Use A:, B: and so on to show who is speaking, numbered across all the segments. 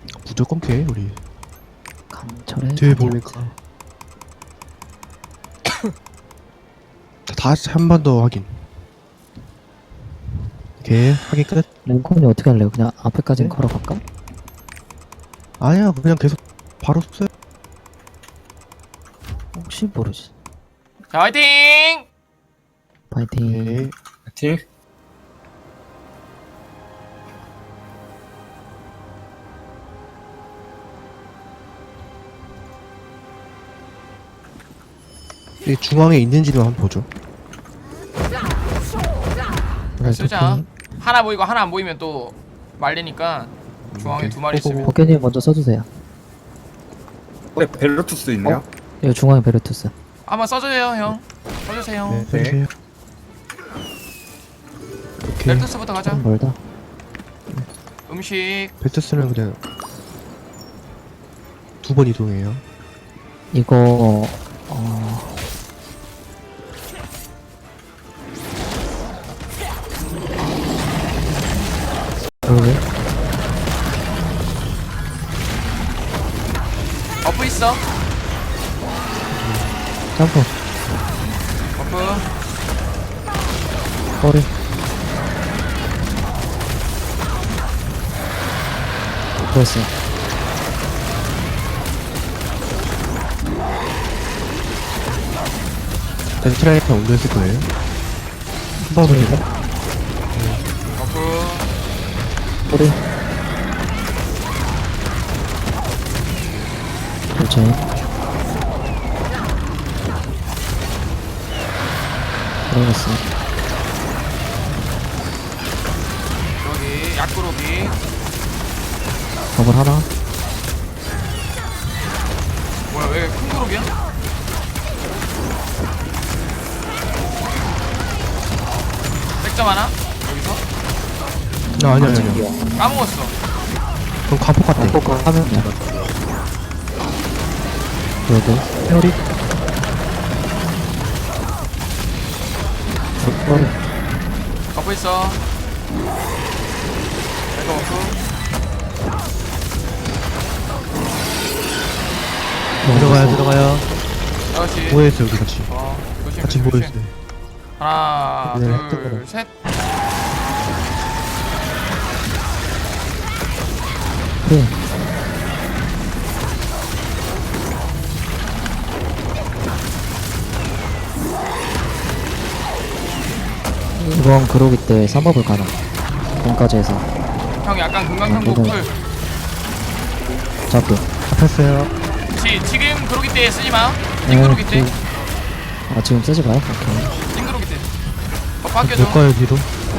A: 무조건 캐 우리.
B: 강철의
A: 뒤에
B: 다리아트.
A: 보니까 다시 한 번 더 확인. 오케이 확인 끝.
B: 랭콘이 어떻게 할래요? 그냥 앞에까지는
A: 네?
B: 걸어갈까?
A: 아니야 그냥 계속 바로 써.
B: 혹시 모르지.
C: 자, 화이팅!
B: 파이팅.
A: 오케이.
D: 파이팅.
A: 이 중앙에 있는지도 한번 보죠.
C: 쓰자. 하나 보이고 하나 안 보이면 또 말리니까 중앙에 두 마리 있으면.
B: 버켓님 먼저 써주세요.
D: 네, 벨로투스 있네요.
B: 이거 중앙에 베르투스.
C: 한번 써주세요, 형. 써주세요.
A: 네, 써주세요. 오케이.
C: 벨트스부터 가자.
B: 좀 멀다.
C: 음식.
A: 벨트스는 그냥 두 번 이동해요.
B: 이거 여기
C: 버프 있어.
B: 점프
C: 버프.
B: 꼬리 됐어.
A: 벤트라이터 올렸을 거예요. 한 번은
C: 버프.
B: 꼬리 그렇지. 들어갔어.
C: 여기 약구로기.
B: 버블 하나.
C: 뭐야, 왜 큰 그룹이야? 백점 하나? 여기서?
A: 아니 아니.
C: 까먹었어.
A: 그럼 가폭 같아.
B: 하면이야. 여기
A: 페어리.
B: 꼬리
C: 버프 있어. 이거 버프.
A: 들어가요.
C: 다시.
A: 모여있어 여기 같이.
C: 조심,
A: 같이
C: 조심, 조심.
A: 모여있어요.
C: 하나,
A: 네,
C: 둘, 셋.
B: 네. 이번 그로기 때 3법을 가나 공까지 해서
C: 형 약간 금강탄국
B: 네,
C: 풀.
B: 잡고
A: 잡혔어요.
C: 지금 그러기 때 쓰지 마. 찐 그러기 때.
B: 아 지금 쓰지 마요? 오케이.
C: 찐 그러기 때. 버프 아껴줘.
A: 볼까요 뒤로?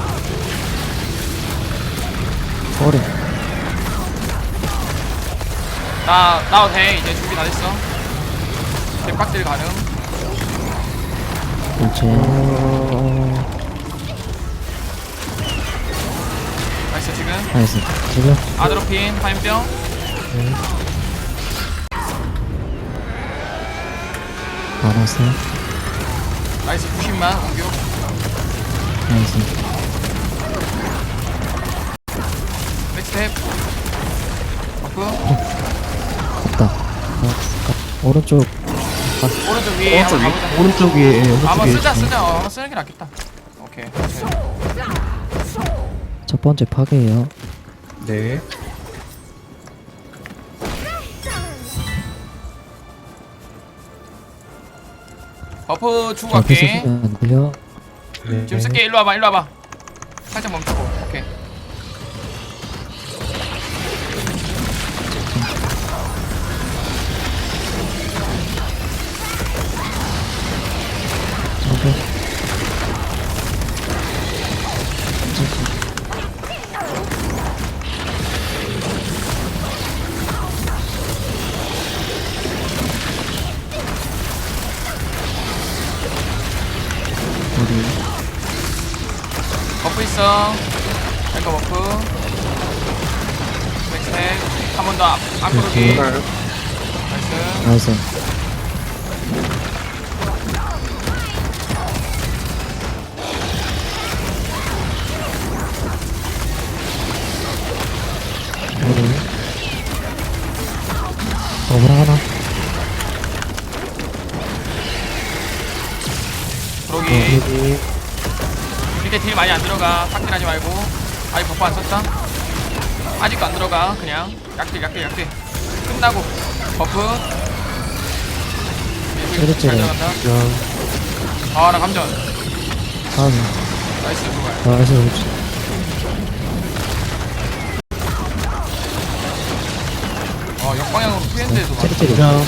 B: 꼬리
C: 나도 돼. 이제 준비 다 됐어. 대박들 가능.
B: 그렇지.
C: 나이스 지금.
B: 나이스. 지금
C: 아드로핀, 화염병.
B: 안 왔어요.
C: 나이스 90만 공격.
B: 나이스.
C: 백스텝. 버프.
B: 갔다. 오른쪽
C: 오른쪽 위에 한번 가보자.
A: 오른쪽 위에 오른쪽
C: 한번
A: 위에.
C: 쓰자. 한번 쓰는 게 낫겠다. 오케이.
B: 첫 번째 파괴예요.
D: 네.
C: 버프 주고
B: 앞에
C: 갈게.
B: 쓰시면 안 들려.
A: 네.
C: 지금 쓸게. 일로 와봐. 살짝 멈추고. 오케이.
B: 오케이. 우리
C: 버프 있어. 탱커 버프. 백스텝. 한 번 더 앞구르기.
D: 가요.
C: 나이스.
B: 나이스. 우리 버블 하나.
C: 그러기.
A: 여기.
C: 이때 딜 많이 안 들어가. 삭딜하지 말고. 아직 버프 안 썼다. 아직도 안 들어가. 그냥 약딜. 끝나고 버프.
B: 그렇지.
C: 잘 들어간다.
A: 그냥.
C: 아, 나 감전.
B: 다음에.
C: 나이스, 그거야.
B: 나이스, 그렇지.
C: 역방향으로 피했는데도 맞아.
B: 찌릿찌릿.
A: 그냥.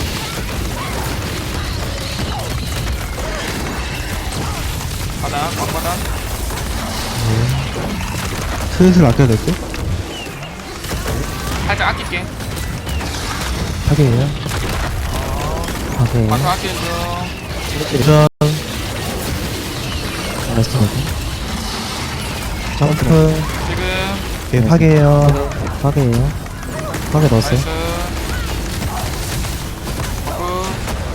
C: 바닥, 광바닥.
A: 슬슬 아껴야 될 듯?
C: 살짝 아낄게.
B: 파괴예요. 파괴.
C: 바닥 아끼는 중.
A: 그냥.
B: 나이스, 거기.
A: 점프.
C: 지금.
A: 오케이, 파괴해요.
B: 파괴예요. 파괴 넣었어요.
C: 나이스. 버프.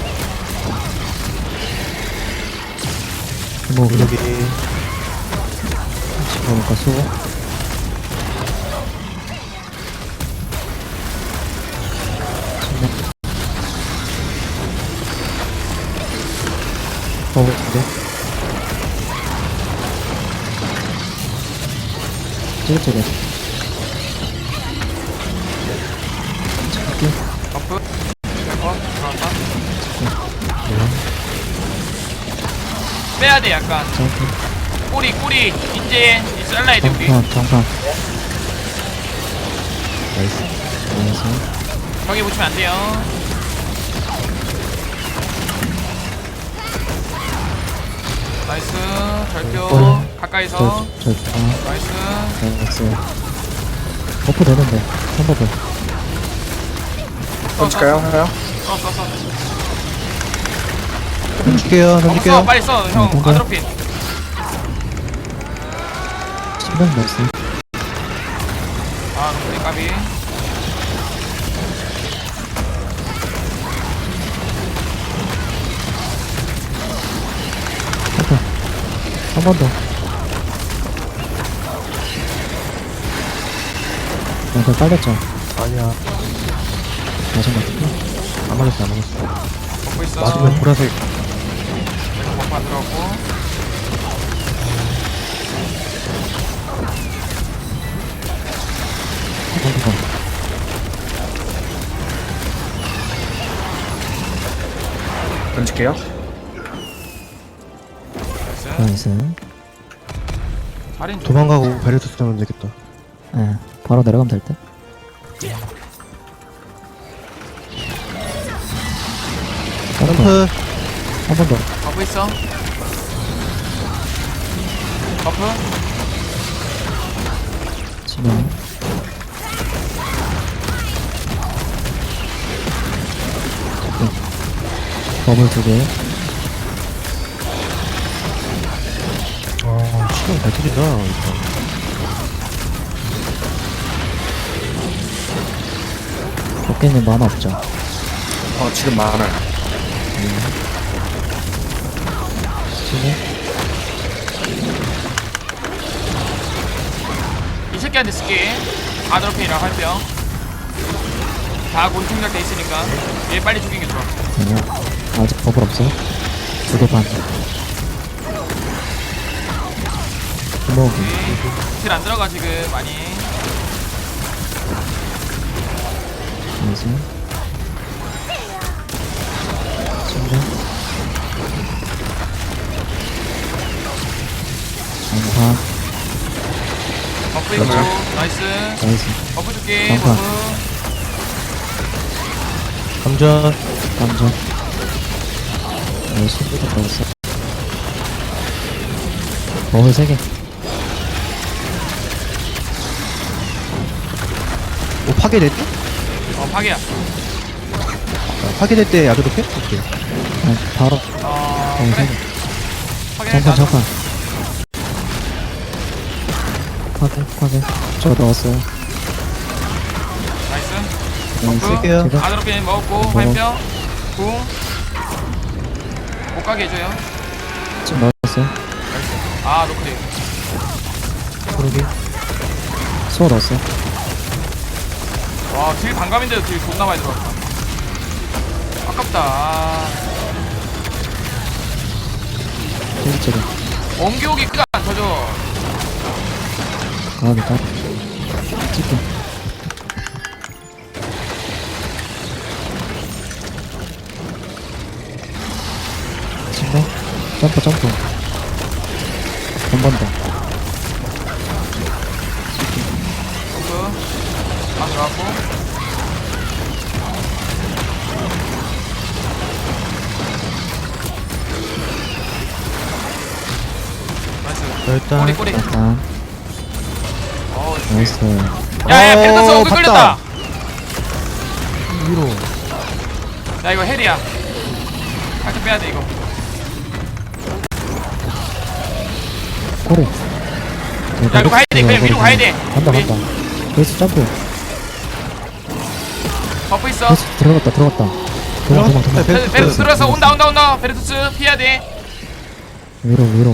B: 뭐,
A: 여기.
B: 그러니까 수고. 버블 두 개. 찌릿찌릿.
C: 버프. 들어간다. 빼야돼, 약간.
B: 점프.
C: 꼬리. 이제 잘라야 돼, 우리.
B: 장판.
A: 나이스.
B: 나이스.
C: 벽에 붙이면 안 돼요. 나이스. 절표. 가까이서. 나이스.
B: 나이스. 버프 되는데. 3버프.
D: 던질까요? 하나요?
C: 써.
A: 던질게요,
C: 써,
A: 던질게요.
C: 빨리 써. 형,
B: 던져.
C: 아드로핀.
B: 신경 나이스.
C: 아, 너무 까비.
B: 한 번 더. 그거 빨렸죠?
A: 아니야.
B: 맞은 것 같은데?
A: 안 맞았어.
C: 먹고 있어.
A: 맞으면 보라색.
C: 내가 버프 안 들어갔고.
B: 한 번 더.
D: 던질게요.
C: 나이스.
B: 나이스.
C: 살인 좀.
A: 도망가고 베르투스 하면 되겠다.
B: 예, 바로 내려가면 될 듯?
A: 점프.
B: 한 번 더.
C: 버프 있어. 버프.
B: 지금. 버블 2개.
A: 아, 시간 잘 터진다. 이거.
B: 도끼님 만화 없죠?
D: 지금 많아요.
B: 지금.
C: 이 새끼한테 쓸게. 아드로핀이랑 할게요. 다 곤충작 돼 있으니까 얘 빨리 죽이는 게 좋아.
B: 아직 버블 없어. 2개 반. 주먹이.
C: 딜 안 들어가 지금 많이.
B: 나이스. 지금. 장판.
C: 버프 있고. 나이스.
B: 나이스.
C: 버프 줄게.
B: 잠깐.
C: 버프.
A: 감전.
B: 감정. 나이스. 또 들어갔어. 버블 3개.
A: 뭐 파괴될 때?
C: 파괴야.
A: 파괴될 때 야도 높게? 오케이.
B: 바로.
C: 그래.
B: 3개.
C: 파괴.
B: 잠깐. 파괴. 저 넣었어요.
C: 나이스.
B: 나이스.
A: 쓸게요.
B: 제가
C: 아드로핀 먹었고 화염병. 궁. 못 가게 해줘요.
B: 지금 넣었어요.
C: 나이스. 아 노크대.
A: 그러게.
B: 수어 넣었어요.
C: 와 딜 반감인데도 딜 존나 많이 들어갔다. 아깝다. 아,
B: 저기 저기.
C: 원기옥이 끄가 안 터져.
B: 가비 가비. 찍게. 친구. 점프 점프. 한 번 더.
C: 점프. 아, 들어갔고. 나이스.
A: 일단
C: 꼬리 꼬리.
B: 일단
C: 어,
B: 나이스.
C: 야야 페르토스 어글
A: 봤다.
C: 끌렸다.
A: 위로.
C: 야 이거 헬이야. 살짝 빼야 돼 이거.
B: 꼬리.
C: 야 이거 가야 돼. 그냥 위로 가야 돼.
B: 간다
C: 우리
B: 간다. 베이스 점프.
C: 버프 있어.
B: 베이스 들어갔다 들어갔다. 도망.
C: 베르투스 들어서 온다. 베르투스 피해야 돼.
B: 위로 위로.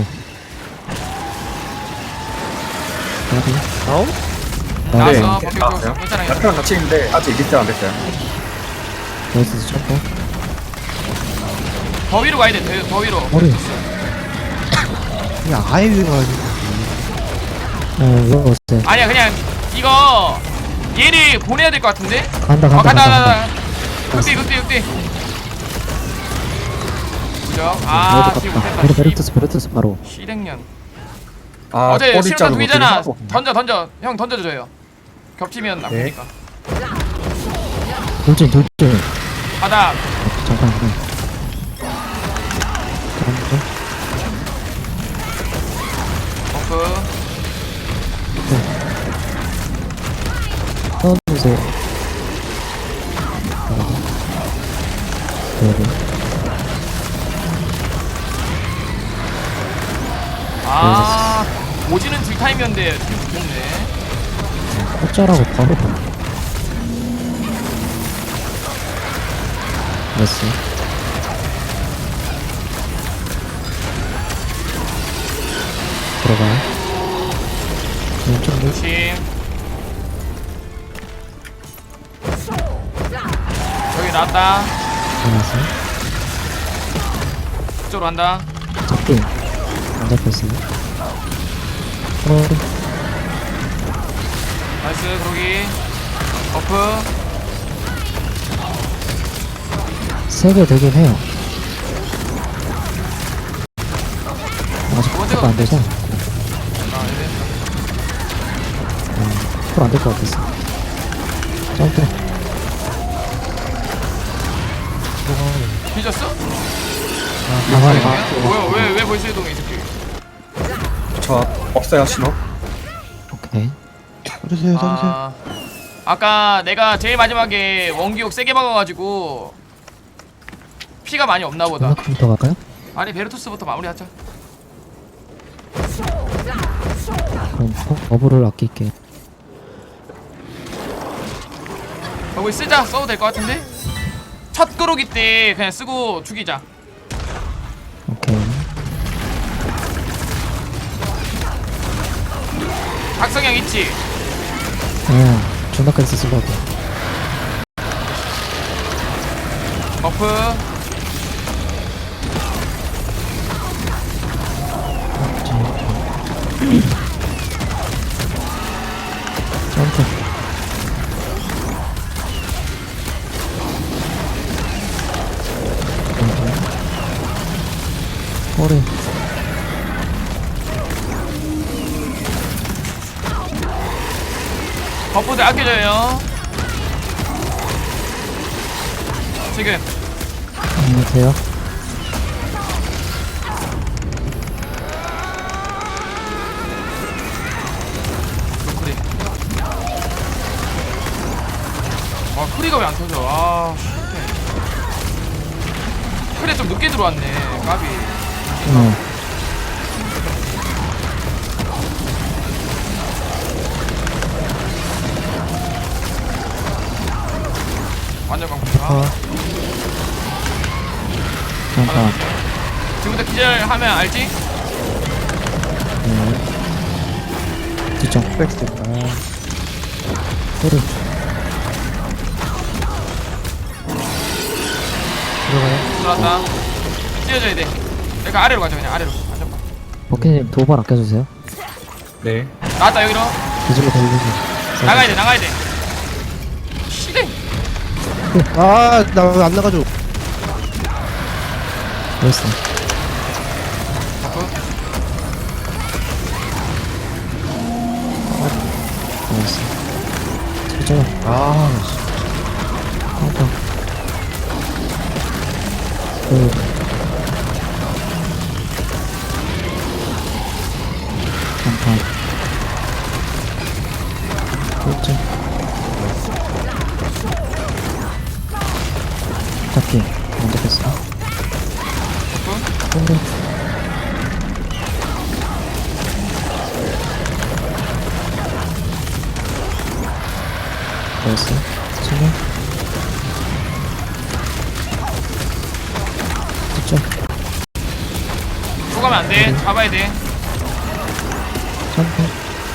B: 가비.
A: 다운?
C: 나왔어.
D: 네.
C: 버프
D: 나왔어요.
C: 괜찮아.
D: 남편랑 같이 있는데 아직 리스트 안 됐어요.
B: 베이스 점프.
C: 더 위로 가야 돼. 더 위로.
B: 머리.
A: 그냥 아예 위로 가야지.
B: 위로 오세요.
C: 아니야 그냥 이거 얘를 보내야 될 것 같은데.
B: 간다
C: 간다. 극대. 그죠? 아 지금 못했다.
B: 베르투스 바로.
C: 시랭년.
D: 아,
C: 어제
D: 꼬리
C: 실전
D: 자르고
C: 두이잖아.
D: 뒤로
C: 던져. 형 던져줘요. 겹치면
D: 네.
C: 나쁘니까.
B: 돌진.
C: 바닥.
B: 잠깐. 점프.
C: 버프.
B: 넣어주세요.
C: 아 오지는 딜타임이었는데 되게 좋겠네.
B: 콧자라고 바로. 됐어. 들어가요. 왼쪽 물.
C: 조심. 여기 나왔다.
B: 들어갔어요.
C: 그쪽으로 간다.
B: 잡기. 안 잡혔어요.
C: 나이스 그러기. 버프.
B: 3개 되긴 해요. 아직
C: 번째가
B: 안 돼서.
C: 아 네.
B: 안될 것 같았어. 점프.
C: 뒤졌어?
B: 나가요.
C: 뭐야 왜 벌써 이동해 이 새끼.
D: 저 없어요 신호.
B: 오케이.
A: 써주세요.
C: 아 아까 내가 제일 마지막에 원기옥 세게 막아가지고 피가 많이 없나 보다.
B: 컴퓨터 갈까요?
C: 아니 베르토스부터 마무리하자.
B: 그럼 버블을 아낄게.
C: 거기 쓰자. 써도 될 것 같은데? 첫 그루기 때 그냥 쓰고 죽이자.
B: 오케이.
C: 각성형 있지?
B: 존나까지 쓰려고.
C: 버프.
B: 점프. 꼬리.
C: 버프들 아껴줘요. 지금
B: 돼요?
C: 크리. 아 크리가 왜 안 터져? 아 크리 좀 늦게 들어왔네. 까비. 완전 강풍이야.
B: 잠깐.
C: 지금부터 기절하면 알지?
B: 뒤쪽.
A: 백스텝.
B: 꼬리. 들어가요.
C: 들어왔다. 뛰어줘야 돼. 그러니까 아래로 가자 그냥 아래로. 안전빵.
B: 버키님 도발 아껴주세요.
D: 네.
C: 나왔다 여기로.
B: 뒤질러 돌리세요.
C: 나가야 돼 나가야 돼. 시대.
A: 아, 나 왜 안 나가죠?
B: 나이스.
C: 버프.
B: 나이스. 진짜
A: 아,
B: 카운터. 잠깐. 그렇죠. 잡기. 먼저 뺐어.
C: 버프.
B: 근데 나이스. 치면 그쵸.
C: 죽으면 안 돼. 잡아야 돼.
B: 점프.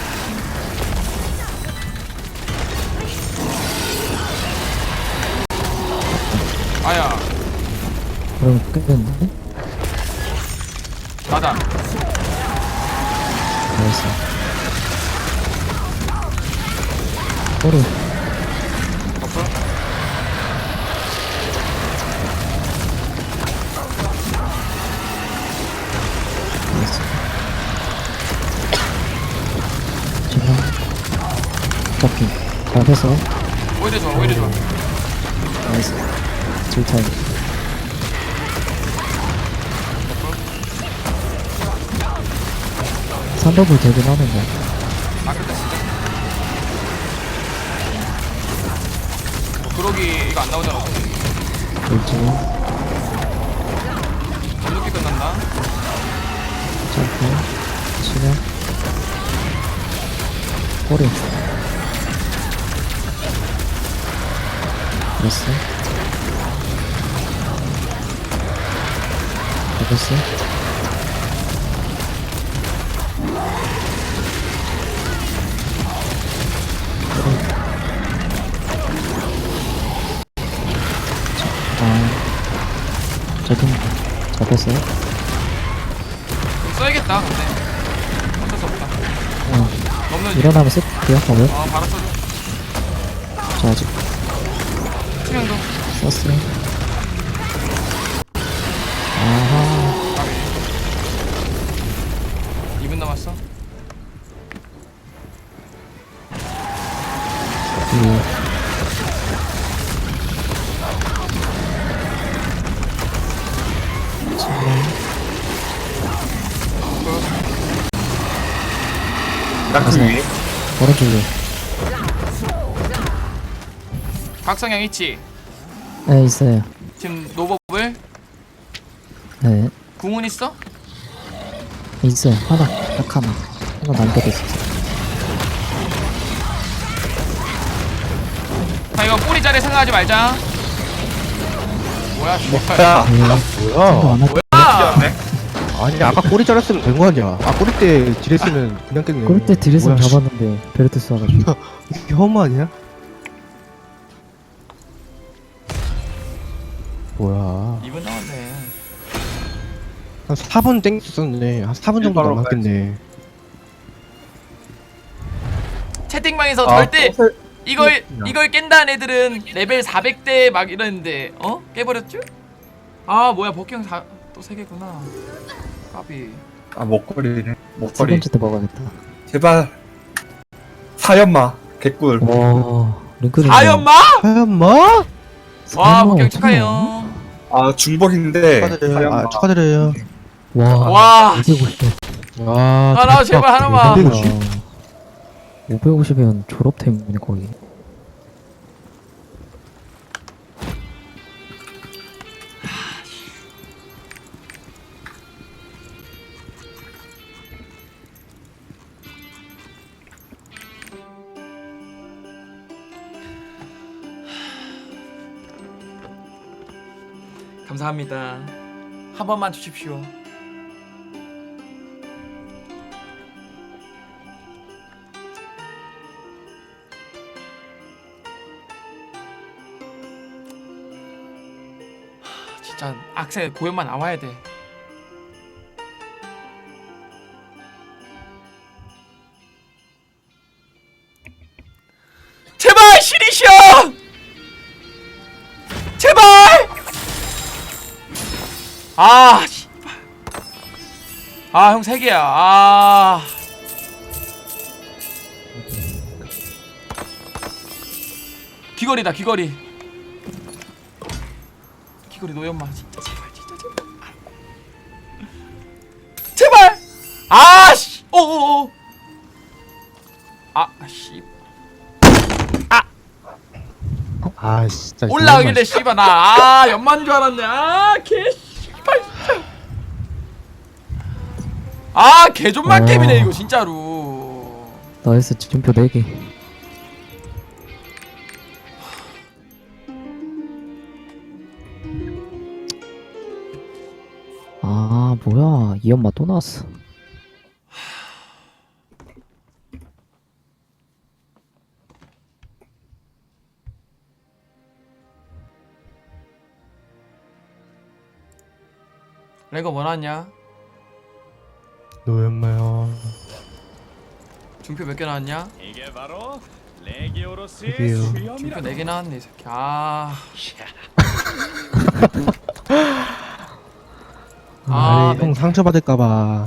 C: 아야.
B: 그럼 끝났는데?
C: 나다.
B: 나이스. 꼬리.
C: 버프.
B: 나이스. 지금 잡기. 잡혔어.
C: 오히려 좋아 오히려 좋아.
B: 나이스. 질타임. 산더블 되긴 하는데.
C: 아 끝났어. 그러기 이거 안 나오잖아.
B: 돌지고.
C: 좀 늦게 끝났나?
B: 점프. 치면. 꼬리. 됐어. 됐어. 저긴 잡혔어요?
C: 좀 써야겠다 근데 어쩔 수 없다. 넘는
B: 일어나면 쓸게요. 오늘.
C: 바로 써줘.
B: 저 아직
C: 투명도.
B: 썼어요. 아하.
C: 까비. 2분 남았어.
B: 이
D: 낙지 위에.
B: 오른쪽에.
C: 각성형 있지.
B: 네 있어요.
C: 지금 노법을
B: 네
C: 궁은 있어?
B: 있어요. 하나 딱 하나. 하나 남겨져 있어.
C: 자 이거 꼬리 자리 생각하지 말자. 뭐야 씨발.
A: 야,
B: 생각
A: 뭐야?
B: 안 할.
C: 뭐야?
A: 아니, 아까 꼬리 잘랐으면 된 거 아니야? 아, 꼬리 때 딜했으면 그냥 깼네.
B: 그럴 때 드레스는
A: 뭐야, 씨.
B: 잡았는데 베르트 쏴가지고.
A: 이게 허무 아니야? 뭐야?
C: 2분 남았네.
A: 한 4분 땡겼었네. 한 4분 정도
D: 일바로
A: 남았겠네.
C: 채팅방에서
D: 아,
C: 절대
D: 또
C: 이걸 깬다는 애들은 레벨 400대 막 이러는데 깨버렸죠? 아 뭐야 복형 또 3개구나. 까비.
D: 아 목걸이네.
B: 세
D: 목걸이.
B: 번째 때 먹어야겠다.
D: 제발. 사연마. 개꿀.
B: 와 링크는.
C: 다연마?
A: 하얀 마?
C: 와 복형 축하해요.
D: 아 중복인데.
A: 축하드려요.
D: 사연마.
A: 아, 축하드려요.
B: 와.
C: 와
B: 550.
A: 와.
C: 아, 나 제발 하나만.
B: 550이면 졸업템이네 거의.
C: 감사합니다. 한 번만 주십시오. 진짜 진짜 악세 고연만 나와야 돼. 제발 시리시여! 제발! 아, 씨발. 아, 형 3개야. 아. 귀걸이다, 귀걸이. 귀걸이 노연마. 진짜 제발, 진짜 제발. 제발! 아, 씨. 오오오. 아, 씨.
A: 아 진짜
C: 올라가길래 씨발 나 연만 줄 알았네. 개 씨발 진짜. 개존만 게임이네 이거 진짜로.
B: 나이스 준표 4개. 아 뭐야 이 엄마 또 나왔어.
C: 레고 뭐 나왔냐?
A: 노연마요.
C: 중표 몇 개 나왔냐?
E: 이게 바로 레기오로스의
A: 그게요.
C: 중표
E: 수염이라.
C: 4개 나왔네 이 새끼. 아
A: 아니
C: 네.
A: 형 상처 받을까봐.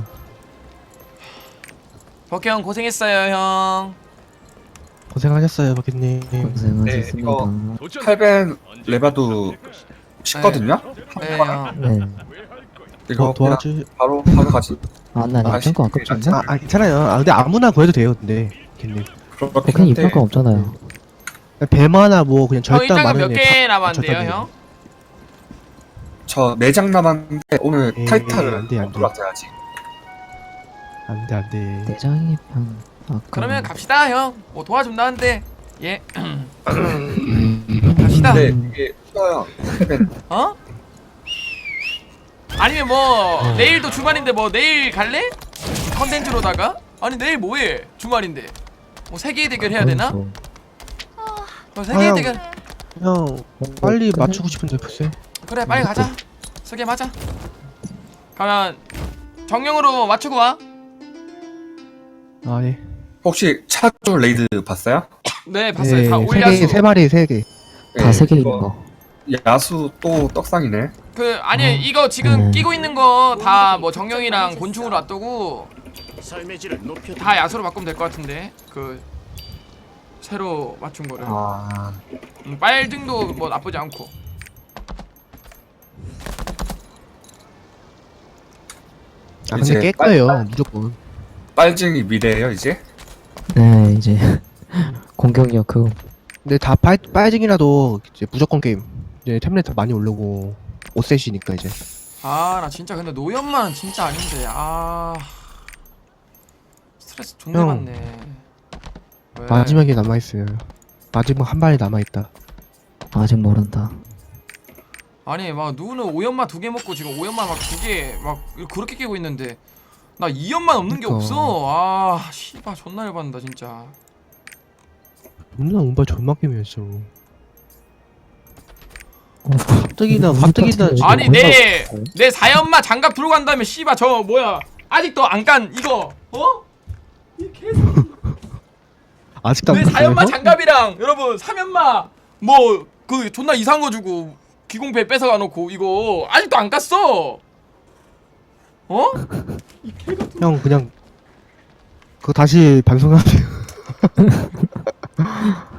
C: 버케 형 고생했어요 형.
A: 고생하셨어요 버킷님.
B: 고생하셨습니다.
D: 이거
E: 도전!
D: 칼벤
E: 언제
D: 레바도 쉽거든요?
C: 네 형.
B: 네.
D: 이거
A: 도와주.
D: 바로 가지.
B: 아나
D: 아,
B: 입장권 아깝지 않나?
A: 아 괜찮아요. 아 근데 아무나 구해도 돼요 근데 버킷님.
D: 그렇긴
B: 그냥
D: 한데
B: 입장권 없잖아요.
A: 배마나 뭐 그냥
C: 형
A: 절단
C: 일단은
A: 많은
C: 몇
A: 애
C: 개
A: 다
C: 남았는데요
A: 절단
C: 형?
D: 저 4장 남았는데 오늘
A: 에이,
D: 타이탈을
A: 안 돼, 안 돼.
D: 올라가야지.
A: 안돼 안돼.
B: 내장이 편. 아까.
C: 그러면 갑시다 형. 뭐 도와준다는데. 예. 갑시다.
D: 근데 이게 쉬워요. 칼벤
C: 어? 아니면 뭐 내일도 주말인데 뭐 내일 갈래? 컨텐츠로다가? 아니 내일 뭐해? 주말인데 뭐 세계의 대결 해야 되나?
B: 그렇죠.
C: 세계의
A: 형.
C: 대결
A: 형 빨리 맞추고 싶은데 글쎄.
C: 그래 빨리 가자. 세계 맞아. 가면 정령으로 맞추고 와.
A: 아 예.
D: 혹시 차주 레이드 봤어요?
C: 네 봤어요. 다
A: 세
C: 올려수.
A: 개, 세 마리 세 개.
B: 다 3개 있는
D: 이거
B: 거.
D: 야수 또 떡상이네.
C: 그 아니 이거 지금
B: 네.
C: 끼고 있는 거 다 뭐 정령이랑 곤충으로 놔두고
E: 삶의 질을 높여.
C: 다 야수로 바꾸면 될 것 같은데 그 새로 맞춘 거를.
D: 아
C: 빨등도 뭐 나쁘지 않고.
A: 아
D: 이제
A: 근데 깰 거예요 무조건.
D: 빨징이 미래예요 이제?
B: 네 이제 공격력 그거.
A: 근데 다 빨징이라도 이제 무조건 게임. 이제 템레터 많이 오르고 5셋이니까 이제.
C: 아 나 진짜 근데 노연만 진짜 아닌데 스트레스 존나
A: 형.
C: 받네. 왜?
A: 마지막에 남아 있어요. 마지막 한 발이 남아 있다.
B: 아직 모른다.
C: 아니 막 누구는 5연마 2개 먹고 지금 5연마 막 2개 막 그렇게 깨고 있는데 나 2연마 없는 게
A: 그니까.
C: 없어. 아 씨발 존나 열받는다 진짜.
A: 존나 운발 존나 게임이었어.
B: 어,
A: 가뜩이나
C: 아니 내 4연마 장갑 들고 간 다음에 씨발 저 뭐야 아직도 안 깐 이거 어? 이 개새끼.
A: 아직도
C: 내
A: 안
C: 4연마
A: 봤어요?
C: 장갑이랑 여러분 3연마 뭐 그 존나 이상한 거 주고 기공배 뺏어가 놓고 이거 아직도 안 깠어. 어?
A: 형 그냥 그거 다시 반송하세요.